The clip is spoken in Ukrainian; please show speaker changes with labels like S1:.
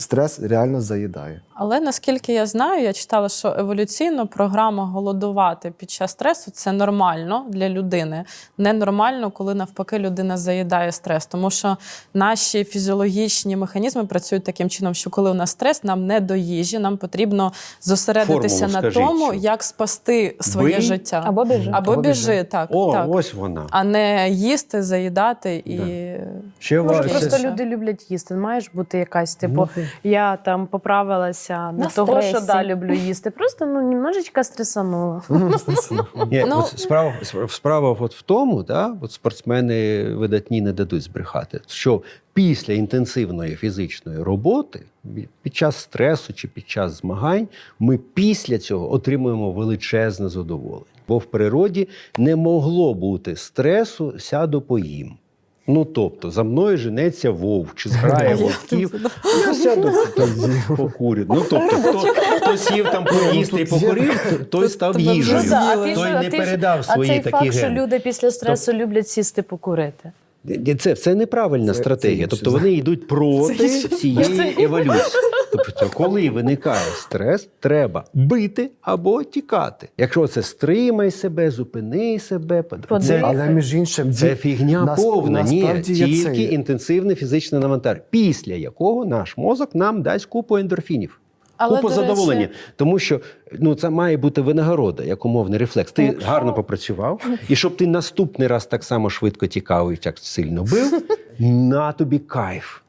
S1: Стрес реально заїдає.
S2: Але наскільки я знаю, я читала, що еволюційно програма голодувати під час стресу – це нормально для людини. Ненормально, коли навпаки людина заїдає стрес. Тому що наші фізіологічні механізми працюють таким чином, що коли у нас стрес, нам не до їжі, нам потрібно зосередитися
S3: Формулу
S2: на
S3: скажіть
S2: тому,
S3: цю.
S2: як спасти своє
S3: Бий
S2: життя.
S4: Або біжи.
S2: Або біжи, так.
S3: О,
S2: так.
S3: ось вона.
S2: А не їсти, заїдати і...
S3: Ще
S4: Може,
S3: вас-
S4: просто
S2: ще-
S4: люди люблять їсти. Маєш бути якась, типу, я там поправилася не того, що
S5: стресі.
S4: люблю їсти. Просто, немножечко стресанула.
S3: Ні,
S2: Ну,
S3: от справа от в тому, да, от спортсмени видатні не дадуть збрехати, що після інтенсивної фізичної роботи, під час стресу чи під час змагань, ми після цього отримуємо величезне задоволення. Бо в природі не могло бути стресу «сяду поїм». Ну, тобто, за мною женеться вовк, чи зграє вовків, я сяду покурю. Ну, тобто, хто сів там поїсти і покурив, той став
S2: тебе вже
S3: їжею.
S2: з'їли.
S3: Той не передав
S4: А
S3: свої
S4: цей
S3: такі
S4: факт, що
S3: гени.
S4: люди після стресу люблять сісти покурити.
S3: Це неправильна
S1: Це
S3: стратегія.
S1: інше.
S3: Тобто вони йдуть проти цієї еволюції. Тобто, коли виникає стрес, треба бити або тікати. Якщо це стримай себе, зупини себе, це,
S1: Але між іншим,
S3: це фігня повна. Ні,
S1: насправді є
S3: тільки
S1: це.
S3: інтенсивне фізичне навантаження, після якого наш мозок нам дасть купу ендорфінів.
S2: Але,
S3: Купу
S2: до речі,
S3: задоволення. Тому що це має бути винагорода, як умовний рефлекс. Ти гарно попрацював, і щоб ти наступний раз так само швидко тікав і так сильно бив, на тобі кайф.